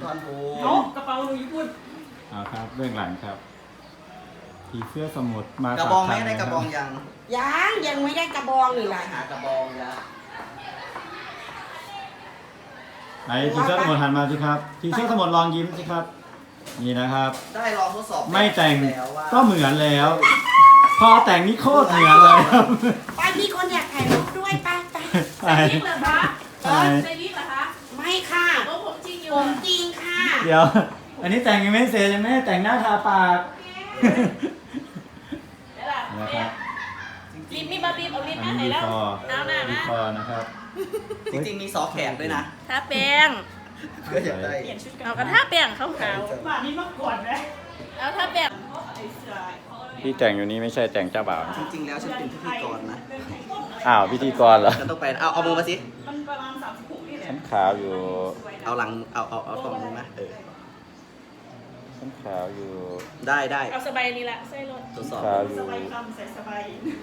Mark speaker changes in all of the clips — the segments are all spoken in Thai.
Speaker 1: อนผู
Speaker 2: เอากระเป๋าหนูญี่ปุ่น
Speaker 3: ครับเบื้องหลังครับผีเสื้อสมุทรมาก
Speaker 1: ระบองไม่ได้กระบองยัง
Speaker 4: ยังไม่ได้กระบองเลยล่ะ
Speaker 1: หากระบองยะ
Speaker 3: ไหนผีเสื้อสมุทรหันมาสิครับผีเสื้อสมุทรลองยิ้มสิครับนี่นะครับ
Speaker 1: ได้ลองทดสอบ
Speaker 3: ไม่แต่ง
Speaker 1: แล้วว่า
Speaker 3: ก็เหมือนแล้ว พอแต่งนี่โคตรเหมือนเลยครับ
Speaker 4: ป้ามีคนอยากถ่ายรูปด้วยป้า
Speaker 3: ใช่
Speaker 2: จริงเหรอคะ
Speaker 3: ใช่
Speaker 2: ใส่วิกเหรอคะ
Speaker 4: ไม่ค่ะ
Speaker 2: โอ้ผมจริงอยู่
Speaker 4: ผมจริงค่ะ
Speaker 3: เดี๋ยว อันนี้แต่งยังไม่เสร็จยังไม่ได้แต่งหน้าทาปาก
Speaker 2: เดี๋ยวล่ะ
Speaker 3: นะครับ
Speaker 2: รีบมีบารีบเอารีบ
Speaker 3: อัน
Speaker 2: มา
Speaker 3: นี้
Speaker 2: ไหน
Speaker 3: ดี
Speaker 2: แล้ว
Speaker 3: คอ
Speaker 2: เอาหน้า
Speaker 3: ดี
Speaker 2: นะ
Speaker 3: คอนะครับ
Speaker 1: จริงๆมีซอแขกด้วยนะ
Speaker 2: ทาแป้ง
Speaker 1: เพื่ออยากได้
Speaker 2: เอากระทาแป้งขาว
Speaker 4: บ้านนี้มาก่อนนะ
Speaker 2: ๆเอาทาแป้ง
Speaker 3: ที่แต่งอยู่นี้ไม่ใช่แต่งเจ้าบ่าว
Speaker 1: จริงๆแล้วฉันเป็นพิธีกรนะ
Speaker 3: อ้าวพิธีกรเหรอ
Speaker 1: ฉันต้องไปเอามือมาสิ
Speaker 2: มันประมาณ36นี่แหละ
Speaker 3: ฉันขาวอยู่
Speaker 1: เอาหลังเอาตรงนี้นะ
Speaker 3: ฉันขาวอยู่
Speaker 1: ได้
Speaker 2: เอาสบายนี่แหละใส่รถ
Speaker 1: ทดสอบ
Speaker 3: ขาวอยู่
Speaker 2: สบายคำใส่สบาย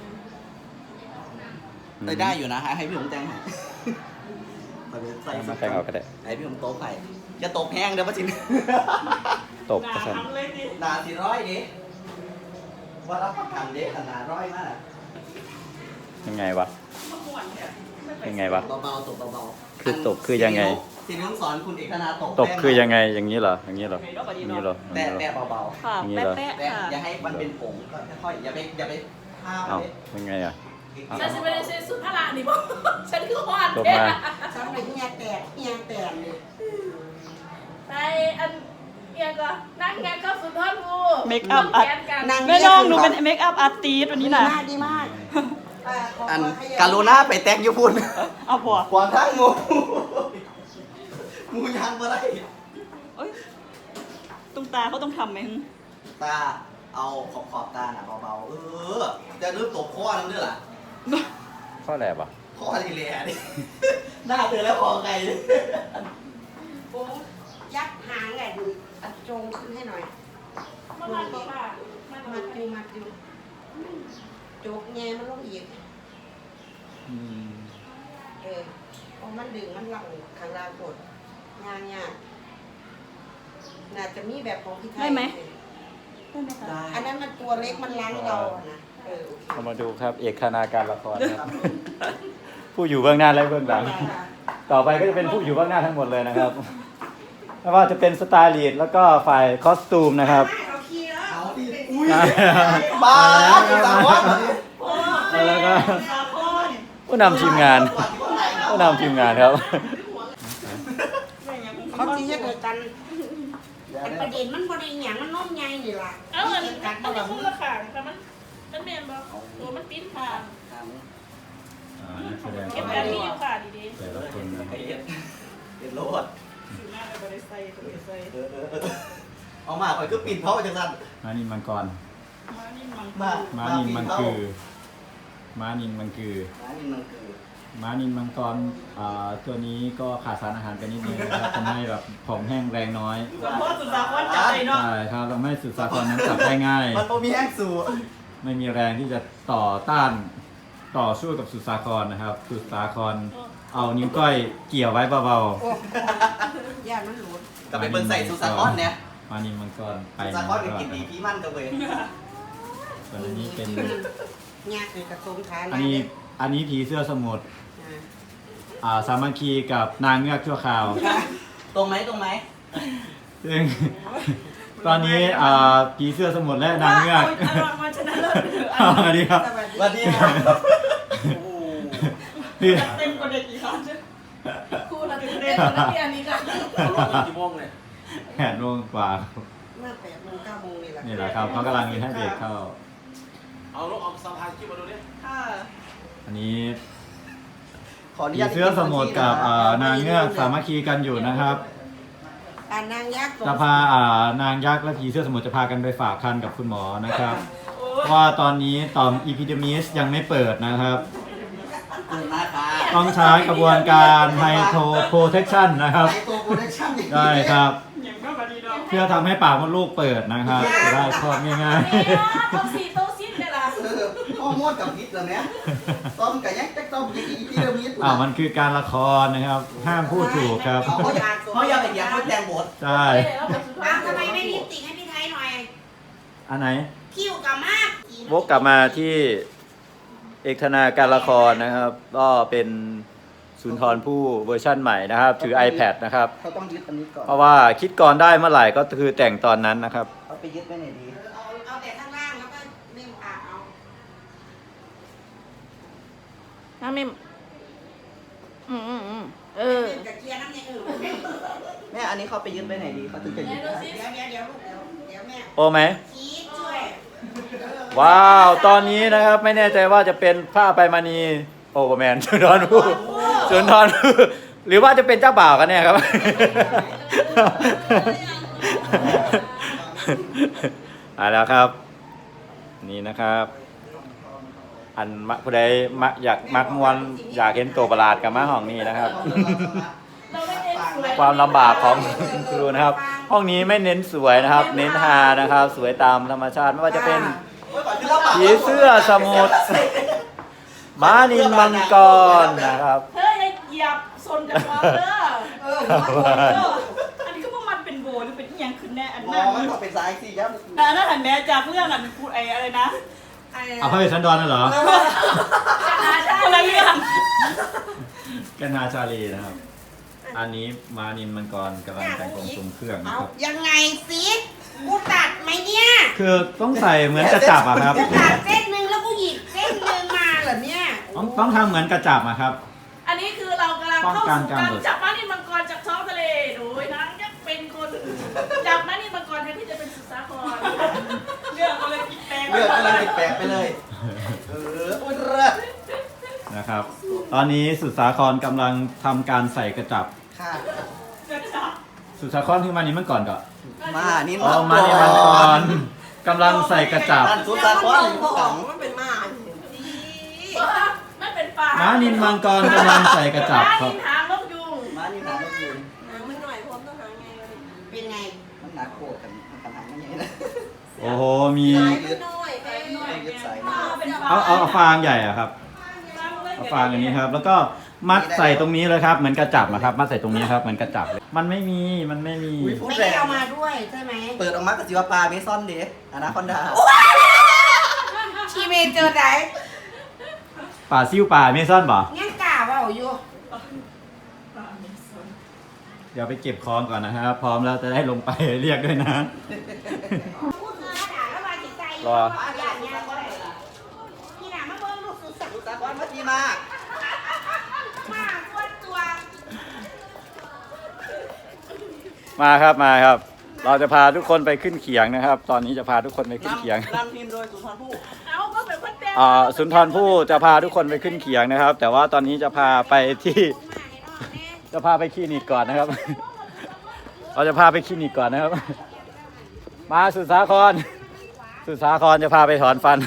Speaker 1: ได้อยู่นะให้พี่ผมแต่งให้ใส่
Speaker 3: เอามาแต่งเอาก็ได้
Speaker 1: ให้พี่ผมโต๊ะไข่จะตบแห้งเดี๋ยวป้าจิน
Speaker 3: ตบกระสัน
Speaker 2: ทำเลยดิ
Speaker 1: นา400ดิว่ารับประกันเด็กขนาด100มาก
Speaker 3: ยังไงวะ
Speaker 2: มาหวนเนี่ย
Speaker 3: ยังไงวะ
Speaker 1: เบาๆตบเบาๆ
Speaker 3: คือตบคือยังไง
Speaker 1: ทีนี้ต้องสอนคุณเอกธนาตบ
Speaker 3: ตบคือยังไงอย่างนี้เหรออย่างนี้เหรออย่างนี้เหรออย่างนี้เหรอ
Speaker 1: แตะเบา
Speaker 2: ค่ะ
Speaker 3: อย่างนี้เหรอ
Speaker 2: แปะ
Speaker 1: ๆแตะ
Speaker 2: ๆค่ะ
Speaker 1: อย่าให้มันเป็นผงค่อยๆอย่าไปห้าม
Speaker 3: เอ้า
Speaker 1: เลย
Speaker 3: ยังไงอ่ะ
Speaker 2: ฉันจะไม่ได้ใช้สุดพละนี่บ่ฉันคือหวาน
Speaker 3: จบ
Speaker 2: แท้
Speaker 3: มา
Speaker 4: สำหรับเฮียแตกเลย
Speaker 2: ไปอันเอียก็นั่งงานก็สุดทอดงู
Speaker 5: เมคอัพอาร์ต
Speaker 2: แกนกัน
Speaker 4: นาง
Speaker 5: แม่น้องหนูเป็นเมคอัพอาร์ติสต์วันนี้นะ
Speaker 4: ดีมาก
Speaker 1: อันการุณาไปแตกญี่ปุ่น
Speaker 5: เอาผัว
Speaker 1: ขวางทางงูงูยางมาได้
Speaker 5: เอ้ยตรงตาเขาต้องทำไหม
Speaker 1: ตาเอาขอบตาหน่ะเบาๆจะเริ่มตบข้อนั่นด้วยล่ะ
Speaker 3: ข้อแหลบอ่ะ
Speaker 1: ข้อทีเลียดิหน้าเธอแล้วคอไง
Speaker 4: ผมยัดหางแหละดูจงขึ้นให้หน่อย
Speaker 2: มันมันบอกว่ามัน
Speaker 4: มัดอยู่จกแงมันลงอีกพอมันดึงมันหลังข้างล่างกดงานน่าจะมีแบบของพี่ไทย
Speaker 5: ได้ไหม
Speaker 1: ได้
Speaker 4: อันนั้นมันตัวเล็กมันล้างเรานะโอเค
Speaker 3: เรามาดูครับเอกคณาการละครครับ ผู้อยู่เบื้องหน้าและเบื้องหลัง ต่อไปก็จะเป็นผู้อยู่เบื้องหน้าทั้งหมดเลยนะครับไม่ว่าจะเป็นสไตลิสต์แล้วก็ฝ่ายคอสตูมนะครับ
Speaker 4: เราขี่แล้ว
Speaker 1: เอาดิอุ้ยบ้าจุดสามวัด
Speaker 3: แล้วก็ผู้นำทีมงานผู้นำทีมงานครับ
Speaker 4: เขาที่จะเกิดกันแต่ประเด็นมันบริหารมันน้มใหญ่นี่ล่ะ
Speaker 2: เอาอัน
Speaker 4: ที่กัด
Speaker 2: มัน
Speaker 4: บ่
Speaker 2: จะ
Speaker 4: ล่ะ
Speaker 2: พูดละค่ะแต่มันเมนบอกตัวมันปิ้นค่ะเก็บแบบนี้อยู่ค่ะดี
Speaker 3: แต่ละคน
Speaker 1: เป็นโลด
Speaker 2: ๆอยู่หน้าไปบริษัทบริษัท
Speaker 1: เอามาคอยก็ปิดเพราะจังสัน
Speaker 3: ม้านินมังกร
Speaker 2: มานี่มัน
Speaker 1: มา
Speaker 3: ม้านินมังคือม้านินมังคือ
Speaker 1: ม้านินมันคือ
Speaker 3: ม้านินมังกรตัวนี้ก็ขาดสารอาหารไปนิดนึงนะครับทำให้แบบผอมแห้งแรงน้อย
Speaker 2: เพราะสุดสาครจับใจเนาะ
Speaker 3: ใช่ครับทำให้สุดสาครนั้นจับได้ง่าย
Speaker 1: มันโปมีแห้งสู
Speaker 3: ไม่มีแรงที่จะต้านต่อสู้กับสุดสาครนะครับ สุดสาครเอานิ้วก้อยเกี่ยวไว้เบา
Speaker 4: ย่ามันหลุด
Speaker 1: กลับไปเบิ่งใส่สุสาคอนเนี่ย
Speaker 3: ๆม้านินมังกรไป
Speaker 1: สุสาคอนเป็นกินดีพี่มั่นกันเลย
Speaker 3: ส่วนอันนี้เป็น
Speaker 4: ยากคือกระทรวงฐานะ
Speaker 3: อันนี้ผีเสื้อสมุทรสามัคคีกับนางเงือกชั่วคราว
Speaker 1: ตรงไหมตรงไหม
Speaker 3: ซึ่งตอนนี้ผีเสื้อสมุทรและนางเงือก
Speaker 2: มาชนะเลิศ
Speaker 3: สวัสดีครับ
Speaker 1: สวัสดีครับ
Speaker 3: พี่
Speaker 2: เต็มกว่าเด็กอีกครั้งคู่ละเต็มกว่านักเรียนนี้ค่ะ
Speaker 1: กี่โมงเลย
Speaker 3: 8 โมงกว่าครับ
Speaker 4: เมื่อ8 โมง 9 โมงนี่แหละ
Speaker 3: นี่แหละครับเขากำลังให้เด็กเข้า
Speaker 6: เอาลูกออกสะพานขึ้นมาดูดิ
Speaker 2: ค่ะ
Speaker 3: อันนี้
Speaker 1: ขออนุ
Speaker 3: ผี
Speaker 1: ญาต
Speaker 3: เสื้อสมุทรกับนางเงือกสามัคคีกันอยู่นะครับ
Speaker 4: นางยักษ์
Speaker 3: จะพานางยักษ์และผีเสื้อสมุทรจะพากันไปฝากคันกับคุณหมอนะครับเพราะว่าตอนนี้ต่อมอีพิเดมิสยังไม่เปิดนะครับ
Speaker 1: นะคะ
Speaker 3: ต้องใช้กระบวนการไฮโทโปรเทคชันนะครับ
Speaker 1: ไอตัวโปรดักชั่น
Speaker 3: ได้ครับ
Speaker 2: อย่างก็มาดีเนาะ
Speaker 3: เพื่อทำให้ปากมดลูกเปิดนะครับจะได้คลอดง่าย
Speaker 2: โต๊ะสี่โต๊ะสิ้นเลยล่ะ
Speaker 1: พอฮอร์โมนกับพิษเหรอเนี่ยต้มกับยักษ์ต้มยังอีพีเดิมนิด
Speaker 3: มันคือการละครนะครับ ห้ามพูดถูกครับ
Speaker 1: เขาอยากเป็นอย่างเขาแจงบท
Speaker 3: ใช่
Speaker 4: อ้าวทำไมไม่ลิปติกให้พี่ไทยหน่อย
Speaker 3: อันไหน
Speaker 4: คิ้วกับมาก
Speaker 3: วกกลับมาที่เอกธนาการละครนะครับ ก็เป็นสุนทรภู่เวอร์ชั่นใหม่นะครับ ถือ iPad นะครับ
Speaker 1: เขาต้องยึดอันนี้ก่อน
Speaker 3: เพราะว่าคิดก่อนได้เมื่อไหร่ก็คือแต่งตอนนั้นนะครับ
Speaker 1: เอาไปยึดไว้ไหนดี
Speaker 4: เอาแต่ข้างล่างแล้วก็เล่มปากเอา
Speaker 2: น้ำมิมเออ
Speaker 4: เล่มกับเกียร์น้ำอย่างอื่น
Speaker 1: แม่อันนี้เขาไปยึดไว้ไหนดีเขาถึงจะยึดได้
Speaker 4: เดี๋ยวลูกเดี๋ยวแม่
Speaker 3: โอไหม
Speaker 4: ชี้ช่วย
Speaker 3: ว้าว ตอนนี้นะครับไม่แน่ใจว่าจะเป็นผ้าไปมานีโอเปอร์แมนสุนทรภู่สุนทรภู่หรือว่าจะเป็นเจ้าบ่าวกันแน่ครับ แล้วครับ นี่นะครับ อันมะผู้ใดอยากมักมวนอยากเห็นตัวประหลาดกับมะห้องนี้นะครับ
Speaker 2: เราไม่เน้นสวย
Speaker 3: ความลำบากของครูนะครับ ห้องนี้ไม่เน้นสวยนะครับ เน้นฮานะครับ สวยตามธรรมชาติไม่ว่าจะเป็นผีเสื้อสมุทรม้านิลมังกรนะครับ
Speaker 2: เฮ้ยเหยียบซนจากความเด้อ
Speaker 5: อันนี้ก็ว่ามันเป็นโบหรือเป็นอีหยังขึ้นแน่อัน
Speaker 1: ม
Speaker 5: นั้
Speaker 1: อน งมันต้องเป็นสายสิยับ
Speaker 5: อันนั้นหันแม่จากเรื่องอันพูดอะไรนะ
Speaker 3: เอาพระเวสสันดรน่ะเหรอ
Speaker 5: คนละเรื่อง
Speaker 3: กันนาชาลีนะครับ อันนี้ม้านิลมังกรกำลังแต่งองค์ทรงเครื่องนะ
Speaker 4: เอา
Speaker 3: ครับ
Speaker 4: ยังไงสิกูตัดไหมเนี่ย
Speaker 3: คือต้องใส่เหมือนกระจับอะครับ
Speaker 4: กูตัดเส้นหนึ่งแล้วกูหยิบเส้นหนึ่งมาเหรอเนี่ย
Speaker 3: ต้องทำเหมือนกระจับอะครับ
Speaker 2: อันนี้คือเรากำลังเข้า
Speaker 3: ป้องกัน
Speaker 2: สู่
Speaker 3: การ
Speaker 2: การ
Speaker 3: หลุด
Speaker 2: จับม้านิลมังกรจากท้องทะเลโดยนางยักษ์เป็นคนจับม้านิลมังกรแทนที่จะเป็นสุสาคร
Speaker 5: เรื่องก็เลยกินแตง
Speaker 1: เลือดกำลังติดแปลกไปเลยอุ้ยเลิศ
Speaker 3: นะครับ ตอนนี้สุดสาครกำลังทำการใส่กระจับ
Speaker 1: ค่ะ
Speaker 3: สุดสาครคือม้านิลมังกรก่อน
Speaker 1: มานี่
Speaker 3: อ๋อม้านิลมังกรกำลังใส่กระจับ
Speaker 1: นั่นสุดสาครอยู่ข้างหลัง
Speaker 4: มันเป็นมา
Speaker 2: ไม่เป็นป่า
Speaker 3: ม้านิลมังกรกำลังใส่กระจับ
Speaker 2: ม้า
Speaker 3: ครั
Speaker 2: นิ
Speaker 3: บ
Speaker 2: ลหางนกยูง
Speaker 1: มานี่หางนกยูง
Speaker 4: มันหน่อยพร้อมต้องหาไงเป็นไง
Speaker 1: มันหนักโคตรกันขนาดนี้นะ
Speaker 3: โอ้โห มี
Speaker 1: ยึด
Speaker 4: หน่อย
Speaker 1: ยึดสาย
Speaker 3: เอาฟางใหญ่อะครับ เอาฟางอย่างนี้ครับ แล้วก็มัดใส่ตรงนี้เลยครับ เหมือนกระจับนะครับ มัดใส่ตรงนี้ครับ เหมือนกระจับเลย มันไม่มี มันไม่มี
Speaker 1: พูด
Speaker 4: ไม่
Speaker 1: แร
Speaker 4: ได้
Speaker 1: ง
Speaker 4: เอามาด้วยใช่ไหม
Speaker 1: เปิดออกมากับจิวปลาเมซอนเดะอนาคอนดา
Speaker 4: ชีเมเจอไหน
Speaker 3: ป่าซิ่วป่าเมซอนบ่
Speaker 4: งั้นกล่าวว่าอยู่
Speaker 3: เดี๋ยวไปเก็บของก่อนนะครับ พร้อมแล้วจะได้ลงไปเรียกด้วยนะ
Speaker 4: พูดคือด่าแล้วมาจิตใจ
Speaker 3: รอ
Speaker 4: อย่างเงี้ยก็ได้พี่หนามาเบิ้งลูกสุดสัก
Speaker 1: สุดสาครมาทีมาก
Speaker 4: มากตัว
Speaker 3: มาครับมาครับ เราจะพาทุกคนไปขึ้นเขียงนะครับ ตอนนี้จะพาทุกคนไปขึ้นเขียง
Speaker 1: นำทีมโดยสุนทรภู่
Speaker 2: เอาก็เป็นคนแต่ง
Speaker 3: สุนทรภู่จะพาทุกคนไปขึ้นเขียงนะครับ แต่ว่าตอนนี้จะพาไปที่ จะพาไปคลินิกก่อนนะครับ เราจะพาไปคลินิกก่อนนะครับ มาสุดสาคร สุดสาครจะพาไปถอนฟัน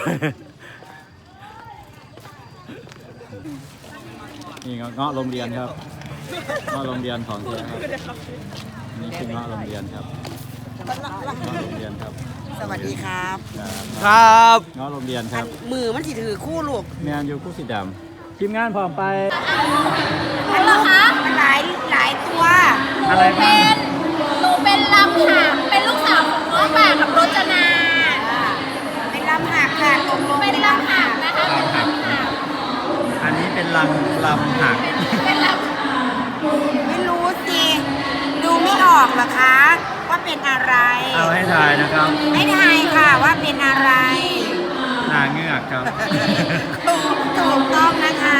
Speaker 3: นี่เงาะโรงเรียนครับเงาะโรงเรียนของแท้ครับนี่คือเงาะโรงเรียนครับเงาะโรงเรียนครับ
Speaker 4: สวัสดีครับ
Speaker 1: ครับ
Speaker 3: เงาะโรงเรียนครับ
Speaker 4: มือมันสิถือคู่ลูก
Speaker 3: แมนยูคู่สีดำทีมงานพร้อมไป
Speaker 4: มันลูกมันหลายตัว
Speaker 3: อะไรบ้าง
Speaker 2: หนูเป็นลำหางเป็นลูกสาวของน้องป่ากับรจนา
Speaker 4: เป็นลำหักค่ะตรงลง
Speaker 2: เป็นลำหางนะคะเป็นลำหาง
Speaker 3: อันนี้เป็นลำหัก
Speaker 2: เป็นล
Speaker 4: ไม่รู้สิ ดูไม่ออกเหรอคะ ว่าเป็นอะไร
Speaker 3: เอาให้ทายนะครับ
Speaker 4: ไม่ทายค่ะว่าเป็นอะไร
Speaker 3: นางเงือกครับ
Speaker 4: ถูกต้องนะคะ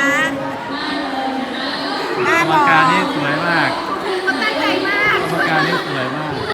Speaker 4: หน้าก
Speaker 3: รรม
Speaker 4: บอก
Speaker 3: การนี่สวยมาก
Speaker 2: ำมันตั้งใจมาก
Speaker 3: กรรมการนี่สวยมาก